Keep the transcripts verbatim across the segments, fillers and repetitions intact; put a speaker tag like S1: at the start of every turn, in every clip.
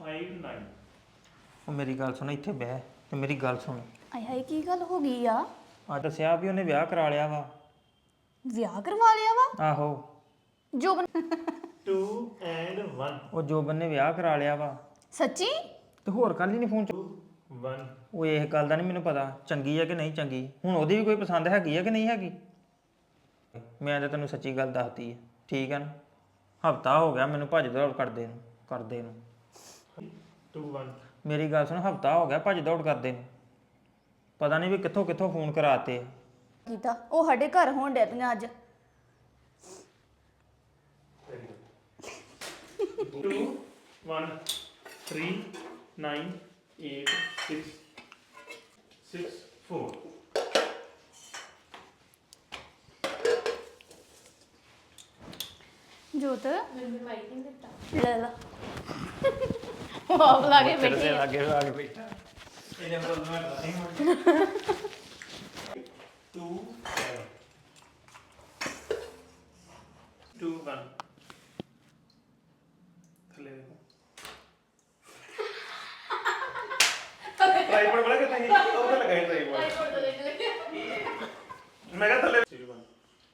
S1: five nine
S2: ਉਹ ਮੇਰੀ ਗੱਲ ਸੁਣ ਇੱਥੇ ਬਹਿ ਤੇ ਮੇਰੀ ਗੱਲ ਸੁਣ
S3: ਆਏ ਹਾਏ ਕੀ ਗੱਲ ਹੋ ਗਈ ਆ
S2: ਆ ਦੱਸਿਆ ਵੀ ਉਹਨੇ ਵਿਆਹ ਕਰਾ ਲਿਆ ਵਾ
S3: ਵਿਆਹ ਕਰਵਾ ਲਿਆ ਵਾ
S2: ਆਹੋ
S3: ਜੋ ਬਣ-
S1: two and one
S2: ਉਹ ਜੋਬਨ ਨੇ ਵਿਆਹ ਕਰਾ ਲਿਆ ਵਾ
S3: ਸੱਚੀ
S2: ਤੇ ਹੋਰ ਕੱਲ ਹੀ ਨਹੀਂ ਫੋਨ ਚ
S1: one
S2: ਉਹ ਇਹ ਗੱਲ ਦਾ ਨਹੀਂ ਮੈਨੂੰ ਪਤਾ ਚੰਗੀ ਹੈ ਕਿ ਨਹੀਂ ਚੰਗੀ ਹੁਣ ਉਹਦੀ ਵੀ ਕੋਈ ਪਸੰਦ ਹੈਗੀ ਹੈ ਕਿ ਨਹੀਂ ਹੈਗੀ ਮੈਂ ਤਾਂ ਤੈਨੂੰ ਸੱਚੀ ਗੱਲ ਦੱਸਤੀ ਹੈ ਠੀਕ ਹੈ ਨਾ ਹਫਤਾ ਹੋ ਗਿਆ ਮੈਨੂੰ ਭੱਜ ਦੌੜ ਕਰਦੇ ਨੂੰ ਕਰਦੇ ਨੂੰ
S1: two one
S2: ਮੇਰੀ ਗੱਲ ਸੁਣ ਹਫਤਾ ਹੋ ਗਿਆ ਭੱਜ ਦੌੜ ਕਰਦੇ ਨੂੰ ਪਤਾ ਨਹੀਂ ਵੀ ਕਿੱਥੋਂ ਕਿੱਥੋਂ ਫੋਨ ਕਰਾਤੇ ਆ।
S3: ਕੀਤਾ ਉਹ ਸਾਡੇ ਘਰ ਹੋਣ ਡੈ ਪਈਆਂ ਅੱਜ
S1: two one three nine eight six six four
S3: ਜੋਤ ਮੈਨੂੰ ਮਾਈਕ ਨਹੀਂ ਦਿੱਤਾ ਲੈ ਲਾ ਵਾਹ ਲਾ ਕੇ ਬੈਠੀ ਆ।
S2: ਲਾਗੇ ਲਾ ਕੇ ਬੈਠਾ ਇਹਨੇ ਬੋਲਣਾ ਨਹੀਂ
S1: two seven two one ਥੱਲੇ ਦੇਖੋ ਟ੍ਰਾਈਪੋਡ ਬਣਾ ਕੇ ਤਾਂ ਉਹ ਤਾਂ ਲਗਾਈ ਟ੍ਰਾਈਪੋਡ ਮੈਂ ਕਿਹਾ ਥੱਲੇ two one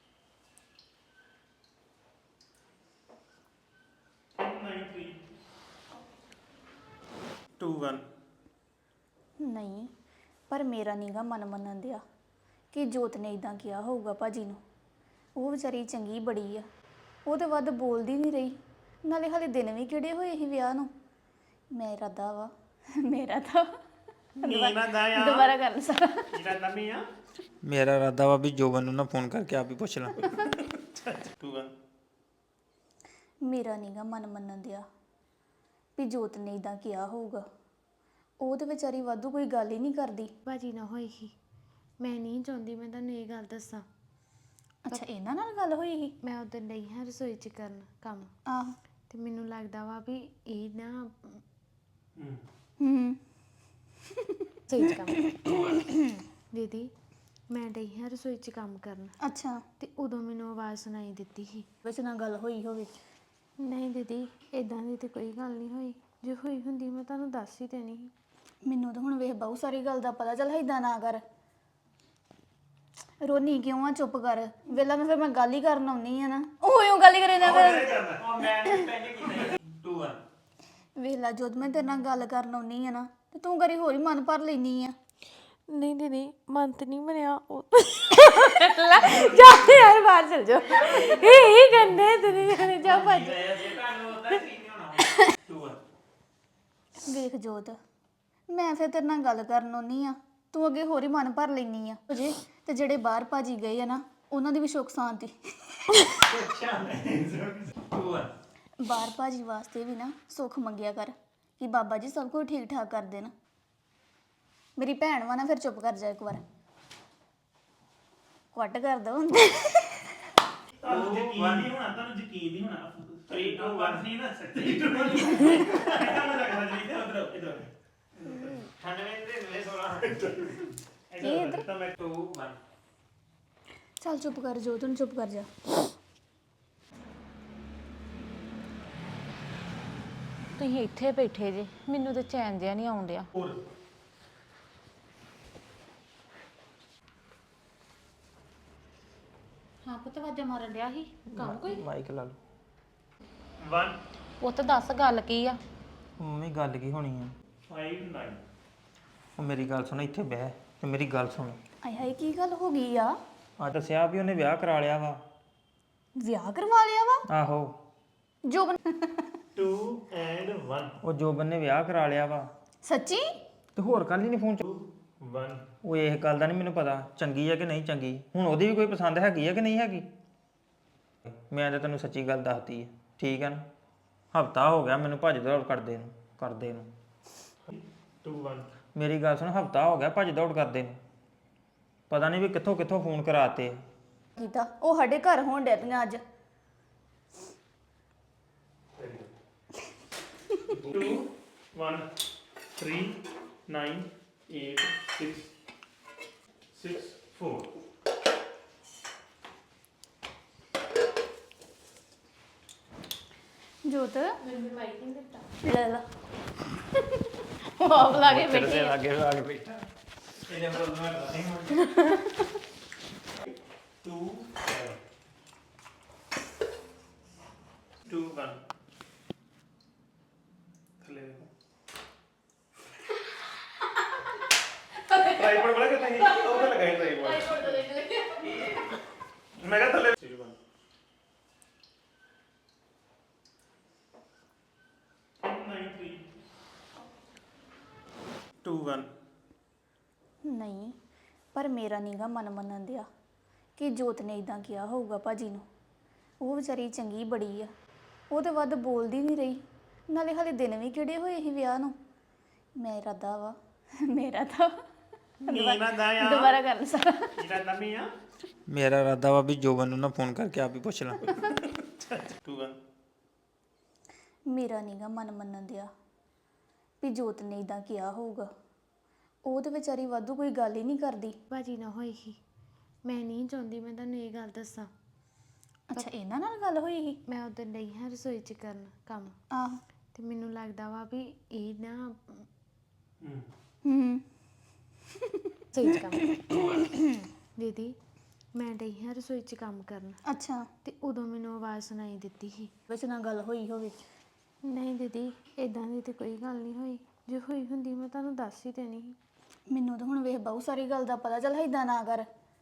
S1: nine three two one
S3: ਨਹੀਂ ਪਰ ਮੇਰਾ ਨੀਗਾ ਮਨ ਮੰਨਣ ਦਿਆ ਕਿ ਜੋਤ ਨੇ ਇਦਾਂ ਕਿਹਾ ਹੋਊਗਾ ਭਾਜੀ ਨੂੰ ਉਹ ਵਿਚਾਰੀ ਚੰਗੀ ਬੜੀ ਆ ਉਹ ਤੇ ਵੱਧ ਬੋਲਦੀ ਨਹੀਂ ਰਹੀ ਨਾਲੇ ਹਾਲੇ ਦਿਨ ਵੀ ਕਿਹੜੇ ਹੋਏ ਸੀ ਵਿਆਹ ਨੂੰ ਮੇਰਾ ਦਾ ਵਾ ਮੇਰਾ ਤਾਂ
S1: ਨੀਨਾ ਦਾ ਆ
S3: ਦੁਬਾਰਾ ਕਰ ਲੈ ਸਾਰਾ
S1: ਜਿਹੜਾ ਨਵੀਂ ਆ
S2: ਮੇਰਾ ਇਰਾਦਾ ਵਾ ਵੀ ਜੋਬਨ ਨੂੰ ਨਾ ਫੋਨ ਕਰਕੇ ਆਪ ਹੀ ਪੁੱਛ ਲਾਂ
S1: two one
S3: ਮੇਰਾ ਨੀਗਾ ਮਨ ਮੰਨਣ ਦਿਆ ਵੀ ਜੋਤ ਨੇ ਇਦਾਂ ਕਿਹਾ ਹੋਊਗਾ ਉਹ ਤੇ ਵਿਚਾਰੀ ਵਾਧੂ ਕੋਈ ਗੱਲ ਹੀ ਨਹੀਂ ਕਰਦੀ
S4: ਭਾਜੀ ਨਾ ਹੋਈ ਸੀ ਮੈਂ ਨਹੀਂ ਚਾਹੁੰਦੀ ਮੈਂ ਤੁਹਾਨੂੰ ਇਹ ਗੱਲ ਦੱਸਾਂ
S3: ਅੱਛਾ ਇਹਨਾਂ ਨਾਲ ਗੱਲ ਹੋਈ ਸੀ
S4: ਮੈਂ ਉਦੋਂ ਨਹੀਂ ਹਾਂ ਰਸੋਈ 'ਚ ਕਰਨ ਕੰਮ
S3: ਆਹ
S4: ਤੇ ਮੈਨੂੰ ਲੱਗਦਾ ਵਾ ਵੀ ਇਹ ਨਾ
S3: ਹੂੰ
S4: ਰਸੋਈ 'ਚ ਕੰਮ ਦੀਦੀ ਮੈਂ ਡਈ ਹਾਂ ਰਸੋਈ 'ਚ ਕੰਮ ਕਰਨ
S3: ਅੱਛਾ
S4: ਤੇ ਉਦੋਂ ਮੈਨੂੰ ਆਵਾਜ਼ ਸੁਣਾਈ ਦਿੱਤੀ ਸੀ
S3: ਵਿੱਚ ਨਾਲ ਗੱਲ ਹੋਈ ਹੋਵੇ
S4: ਨਹੀਂ ਦੀਦੀ ਇਦਾਂ ਦੀ ਤੇ ਕੋਈ ਗੱਲ ਨਹੀਂ ਹੋਈ ਜੇ ਹੋਈ ਹੁੰਦੀ ਮੈਂ ਤੁਹਾਨੂੰ ਦੱਸ ਹੀ ਦੇਣੀ ਸੀ
S3: ਮੈਨੂੰ ਤਾਂ ਹੁਣ ਵੇਖ ਬਹੁਤ ਸਾਰੀ ਗੱਲ ਦਾ ਪਤਾ ਚੱਲ ਏਦਾਂ ਨਾ ਕਰ ਰੋਣੀ ਕਿਉਂ ਆ ਚੁੱਪ ਕਰ ਵੇਲਾ ਮੈਂ ਫਿਰ ਮੈਂ ਗੱਲ ਹੀ ਕਰਨ ਆਉਣੀ ਆ ਨਾ ਉਹ ਇਉਂ ਗੱਲ ਹੀ ਕਰੇ ਨਾ ਫਿਰ
S1: ਉਹ ਮੈਂ ਪਹਿਲੇ ਕੀਤਾ two one
S3: ਵੇਲਾ ਜਦ ਮੈਂ ਤੇਰੇ ਨਾਲ ਗੱਲ ਕਰਨ ਆਉਣੀ ਆ ਨਾ ਤੇ ਤੂੰ ਕਰੀ ਹੋਰ ਹੀ ਮਨ ਭਰ ਲੈਣੀ ਆ
S4: ਨਹੀਂ ਦੀਦੀ ਮਨ ਤੇ ਨਹੀਂ ਬਣਿਆ ਉਹ ਜਾ ਯਾਰ ਬਾਹਰ ਚਲ ਜਾ ਇਹ ਹੀ ਗੰਦੇ ਤੇ ਜਾ ਭੱਜ
S1: two one
S3: ਵੇਖ ਜੋਤ ਮੈਂ ਫਿਰ ਤੇਰੇ ਨਾਲ ਗੱਲ ਕਰਨ ਆਉਣੀ ਆ ਤੂੰ ਅੱਗੇ ਹੋਰ ਹੀ ਮਨ ਭਰ ਲੈਣੀ ਆ ਜੇ ਤੇ ਜਿਹੜੇ ਬਾਹਰ ਭਾਜੀ ਗਏ ਆ ਨਾ ਉਹਨਾਂ ਦੀ ਵੀ ਸੁੱਖ ਸ਼ਾਂਤੀ
S1: two one
S3: ਬਾਹਰ ਭਾਜੀ ਵਾਸਤੇ ਵੀ ਨਾ ਸੁੱਖ ਮੰਗਿਆ ਕਰ ਕਿ ਬਾਬਾ ਜੀ ਸਭ ਕੁਝ ਠੀਕ ਠਾਕ ਕਰ ਦੇਣ ਮੇਰੀ ਭੈਣ ਵਾ ਨਾ ਫਿਰ ਚੁੱਪ ਕਰ ਜਾ ਇੱਕ ਵਾਰ ਕੁੱਟ ਕਰ ਦੋ
S1: ਤੁਹਾਨੂੰ ਯਕੀਨ ਨਹੀਂ ਹੋਣਾ ਤੁਹਾਨੂੰ ਯਕੀਨ ਨਹੀਂ ਹੋਣਾ three two one ਨਹੀਂ ਨਾ three two one ਇਹਦਾ ਮੈਂ ਲੱਗਦਾ ਜੀ ਇਧਰ ਇਧਰ ਅਠਾਨਵੇਂ ਦੇ ਨਵੇਂ ਸੋਲਾਂ
S3: ਇਹ ਇੱਧਰ?
S1: ਤਾਂ ਮੈਂ two one
S3: ਚੱਲ ਚੁੱਪ ਕਰ ਜੋ ਤੂੰ ਚੁੱਪ ਕਰ ਜਾ
S5: ਤੁਸੀਂ ਇੱਥੇ ਬੈਠੇ ਜੇ ਮੈਨੂੰ ਤਾਂ ਚੈਨ ਜਿਹਾ ਨਹੀਂ ਆਉਣ ਡਿਆ
S1: four
S5: ਹਾਂ ਪੁੱਤ ਵਾਜਾ ਮਾਰਨ ਡਿਆ ਸੀ ਕੰਮ ਕੋਈ
S2: ਮਾਈਕ ਲਾ ਲਓ
S1: one
S5: ਉਹ ਤਾਂ ਦੱਸ ਗੱਲ ਕੀ ਆ
S2: ਮੰਮੀ ਗੱਲ ਕੀ ਹੋਣੀ ਆ
S1: five nine
S2: ਉਹ ਮੇਰੀ ਗੱਲ ਸੁਣ ਇੱਥੇ ਬਹਿ ਤੇ ਮੇਰੀ ਗੱਲ ਸੁਣ
S3: ਆਏ ਹਾਏ ਕੀ ਗੱਲ ਹੋ ਗਈ ਆ
S2: ਆ ਦੱਸਿਆ ਵੀ ਉਹਨੇ ਵਿਆਹ ਕਰਾ ਲਿਆ ਵਾ
S3: ਵਿਆਹ ਕਰਵਾ ਲਿਆ ਵਾ
S2: ਆਹੋ
S3: ਜੋ ਬਣ-
S1: two and one
S2: ਉਹ ਜੋਬਨ ਨੇ ਵਿਆਹ ਕਰਾ ਲਿਆ ਵਾ
S3: ਸੱਚੀ
S2: ਤੇ ਹੋਰ ਕੱਲ ਹੀ ਨਹੀਂ ਫੋਨ ਚ
S1: one
S2: ਉਹ ਇਹ ਗੱਲ ਦਾ ਨਹੀਂ ਮੈਨੂੰ ਪਤਾ ਚੰਗੀ ਹੈ ਕਿ ਨਹੀਂ ਚੰਗੀ ਹੁਣ ਉਹਦੀ ਵੀ ਕੋਈ ਪਸੰਦ ਹੈਗੀ ਹੈ ਕਿ ਨਹੀਂ ਹੈਗੀ ਮੈਂ ਤਾਂ ਤੈਨੂੰ ਸੱਚੀ ਗੱਲ ਦੱਸਤੀ ਹੈ ਠੀਕ ਹੈ ਨਾ ਹਫਤਾ ਹੋ ਗਿਆ ਮੈਨੂੰ ਭੱਜ ਦੌੜ ਕਰਦੇ ਨੂੰ ਕਰਦੇ ਨੂੰ
S1: two one
S2: ਮੇਰੀ ਗੱਲ ਸੁਣ ਹਫਤਾ ਹੋ ਗਿਆ ਭੱਜ ਦੌੜ ਕਰਦੇ ਨੂੰ ਪਤਾ ਨਹੀਂ ਵੀ ਕਿੱਥੋਂ ਕਿੱਥੋਂ ਫੋਨ ਕਰਾਤੇ ਆ।
S3: ਕੀਤਾ ਉਹ ਸਾਡੇ ਘਰ ਹੋਣ ਡੈ ਪਈਆਂ ਅੱਜ
S1: two one three nine eight six six four
S3: ਜੋਤ ਮੈਨੂੰ ਮਾਈਕ ਨਹੀਂ ਦਿੱਤਾ ਲੈ ਲਾ
S4: ਆਪ ਲਾ ਕੇ
S2: ਤੇਰੇ
S4: ਬੈਠੇ
S2: ਦੇ
S4: ਆ।
S2: ਲਾਗੇ ਲਾ ਕੇ ਬੈਠਾ
S1: ਇਹਨੇ ਪ੍ਰੋਬਲਮ ਹੈ ਨਹੀਂ ਟੂ ਟੂ ਵਨ ਥੱਲੇ ਦੇਖੋ ਟ੍ਰਾਈਪੋਡ ਬੜਾ ਕਿਤੇ ਨਹੀਂ ਉਹ ਤਾਂ ਲਗਾਈ ਟ੍ਰਾਈਪੋਡ ਮੈਂ ਕਿਹਾ ਥੱਲੇ two one nine three two one
S3: ਨਹੀਂ ਪਰ ਮੇਰਾ ਨੀਗਾ ਮਨ ਮੰਨਣ ਦਿਆ ਕਿ ਜੋਤ ਨੇ ਇਦਾਂ ਕਿਹਾ ਹੋਊਗਾ ਭਾਜੀ ਨੂੰ। ਉਹ ਵਿਚਾਰੀ ਚੰਗੀ ਬੜੀ ਆ, ਉਹ ਤੇ ਵੱਧ ਬੋਲਦੀ ਨਹੀਂ ਰਹੀ, ਨਾਲੇ ਹਾਲੇ ਦਿਨ ਵੀ ਕਿਹੜੇ ਹੋਏ ਸੀ ਵਿਆਹ ਨੂੰ। ਮੇਰਾ ਦਾ ਵਾ ਮੇਰਾ ਤਾਂ
S1: ਨੀਨਾ ਦਾ ਆ
S3: ਦੁਬਾਰਾ ਕਰ ਸਾਰਾ
S1: ਜਿਹੜਾ ਨਮੀ ਆ
S2: ਮੇਰਾ ਇਰਾਦਾ ਵਾ ਵੀ ਜੋਬਨ ਨੂੰ ਨਾ ਫੋਨ ਕਰਕੇ ਆਪ ਹੀ ਪੁੱਛ ਲਾਂ
S1: ਟੂ ਵਨ
S3: ਮੇਰਾ ਨੀਗਾ ਮਨ ਮੰਨਣ ਦਿਆ ਵੀ ਜੋਤ ਨੇ ਇਦਾਂ ਕਿਹਾ ਹੋਊਗਾ। ਉਹ ਤੇ ਵਿਚਾਰੀ ਵਾਧੂ ਕੋਈ ਗੱਲ ਹੀ ਨਹੀਂ ਕਰਦੀ।
S4: ਭਾਜੀ ਨਾ ਹੋਈ ਸੀ, ਮੈਂ ਨਹੀਂ ਚਾਹੁੰਦੀ ਮੈਂ ਤੁਹਾਨੂੰ ਇਹ ਗੱਲ ਦੱਸਾਂ।
S3: ਅੱਛਾ ਇਹਨਾਂ ਨਾਲ ਗੱਲ ਹੋਈ ਸੀ?
S4: ਮੈਂ ਉਦੋਂ ਡਈ ਹਾਂ ਰਸੋਈ 'ਚ ਕਰਨ ਕੰਮ,
S3: ਆਹ
S4: ਤੇ ਮੈਨੂੰ ਲੱਗਦਾ ਵਾ ਵੀ ਇਹ ਨਾ
S3: ਹੂੰ
S4: ਰਸੋਈ 'ਚ ਕੰਮ ਦੀਦੀ ਮੈਂ ਡਈ ਹਾਂ ਰਸੋਈ 'ਚ ਕੰਮ ਕਰਨ,
S3: ਅੱਛਾ
S4: ਤੇ ਉਦੋਂ ਮੈਨੂੰ ਆਵਾਜ਼ ਸੁਣਾਈ ਦਿੱਤੀ ਸੀ।
S3: ਵਿੱਚ ਨਾਲ ਗੱਲ ਹੋਈ ਹੋਵੇ।
S4: ਨਹੀਂ ਦੀਦੀ ਇਦਾਂ ਦੀ ਤੇ ਕੋਈ ਗੱਲ ਨਹੀਂ ਹੋਈ, ਜੇ ਹੋਈ ਹੁੰਦੀ ਮੈਂ ਤੁਹਾਨੂੰ ਦੱਸ ਹੀ ਦੇਣੀ ਸੀ।
S3: ਮੈਨੂੰ ਤਾਂ ਹੁਣ ਵੇਖ ਬਹੁਤ ਸਾਰੀ ਗੱਲ ਦਾ ਪਤਾ ਚੱਲ ਏਦਾਂ ਨਾ ਕਰ।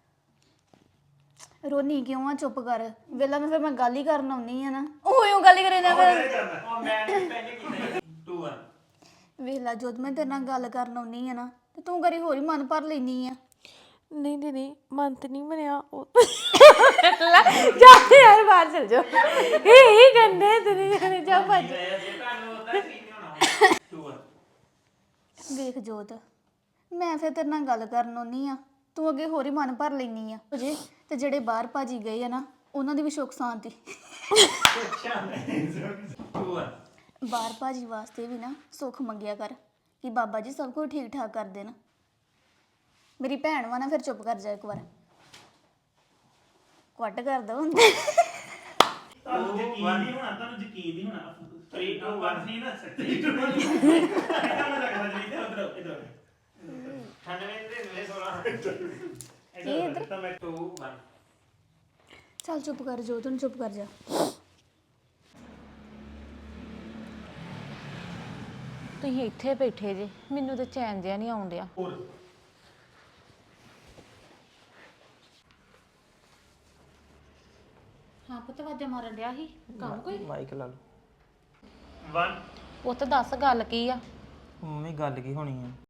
S3: ਰੋਨੀ ਕਿਉਂ ਆ? ਚੁੱਪ ਕਰ ਵੇਲਾ ਮੈਂ ਫਿਰ ਮੈਂ ਗੱਲ ਹੀ ਕਰਨ ਆਉਣੀ ਆ ਨਾ। ਉਹ ਇਉਂ ਗੱਲ ਹੀ ਕਰੇ ਨਾ ਫਿਰ
S1: ਉਹ ਮੈਂ ਪਹਿਲੇ ਕੀਤਾ ਟੂ ਵਨ
S3: ਵੇਲਾ ਜਦ ਮੈਂ ਤੇਰੇ ਨਾਲ ਗੱਲ ਕਰਨ ਆਉਣੀ ਆ ਨਾ ਤੇ ਤੂੰ ਕਰੀ ਹੋਰ ਹੀ ਮਨ ਭਰ ਲੈਣੀ ਆ।
S4: ਨਹੀਂ ਦੀਦੀ ਮਨ ਤੇ ਨਹੀਂ ਬਣਿਆ ਉਹ ਜਾ ਯਾਰ ਬਾਹਰ ਚਲ ਜਾ ਇਹ ਹੀ ਗੰਦੇ ਤੇਰੇ ਜਾਣੇ ਜਾ ਭੱਜ।
S1: ਜੇ ਤੁਹਾਨੂੰ ਹੁੰਦਾ ਕੀ ਨਹੀਂ ਹੋਣਾ ਟੂ ਵਨ
S3: ਵੇਖ ਜੋਤ ਮੈਂ ਫਿਰ ਤੇਰੇ ਨਾਲ ਗੱਲ ਕਰਨ ਆਉਣੀ ਆ, ਤੂੰ ਅੱਗੇ ਹੋਰ ਹੀ ਮਨ ਭਰ ਲੈਣੀ ਆ ਜੇ। ਤੇ ਜਿਹੜੇ ਬਾਹਰ ਭਾਜੀ ਗਏ ਆ ਨਾ ਉਹਨਾਂ ਦੀ ਵੀ ਸੁੱਖ ਸ਼ਾਂਤੀ।
S1: ਟੂ ਵਨ
S3: ਬਾਹਰ ਭਾਜੀ ਵਾਸਤੇ ਵੀ ਨਾ ਸੁੱਖ ਮੰਗਿਆ ਕਰ ਕਿ ਬਾਬਾ ਜੀ ਸਭ ਕੁਝ ਠੀਕ ਠਾਕ ਕਰ ਦੇਣ। ਮੇਰੀ ਭੈਣ ਵਾ ਨਾ, ਫਿਰ ਚੁੱਪ ਕਰ ਜਾ ਇੱਕ ਵਾਰ, ਕੁੱਟ ਕਰ ਦੋ
S1: ਤੁਹਾਨੂੰ ਯਕੀਨ ਨਹੀਂ ਹੋਣਾ ਤੁਹਾਨੂੰ ਯਕੀਨ ਨਹੀਂ ਹੋਣਾ ਥ੍ਰੀ ਟੂ ਵਨ ਨਹੀਂ ਨਾ ਥ੍ਰੀ ਟੂ ਵਨ ਕਿਹਦਾ ਨਾ ਲੱਗਦਾ ਜੀ ਤੇ ਉਧਰ ਇਧਰ ਅਠਾਨਵੇਂ ਦੇ ਨਵੇਂ ਸੋਲਾਂ ਇਧਰ ਤਾਂ ਮੈਂ ਟੂ ਵਨ
S3: ਚੱਲ ਚੁੱਪ ਕਰ ਜੋ ਤੂੰ ਚੁੱਪ ਕਰ ਜਾ।
S5: ਤੁਸੀਂ ਇੱਥੇ ਬੈਠੇ ਜੇ ਮੈਨੂੰ ਤਾਂ ਚੈਨ ਜਿਹਾ ਨਹੀਂ ਆਉਣ ਡਿਆ।
S1: ਫੋਰ
S5: ਹਾਂ ਪੁੱਤ ਵਾਜਾ ਮਾਰਨ ਡਿਆ ਸੀ ਕੰਮ ਕੋਈ
S2: ਮਾਈਕ ਲਾ ਲਓ।
S1: ਵਨ
S5: ਪੁੱਤ ਦੱਸ ਗੱਲ ਕੀ ਆ?
S2: ਮੰਮੀ ਗੱਲ ਕੀ ਹੋਣੀ ਆ?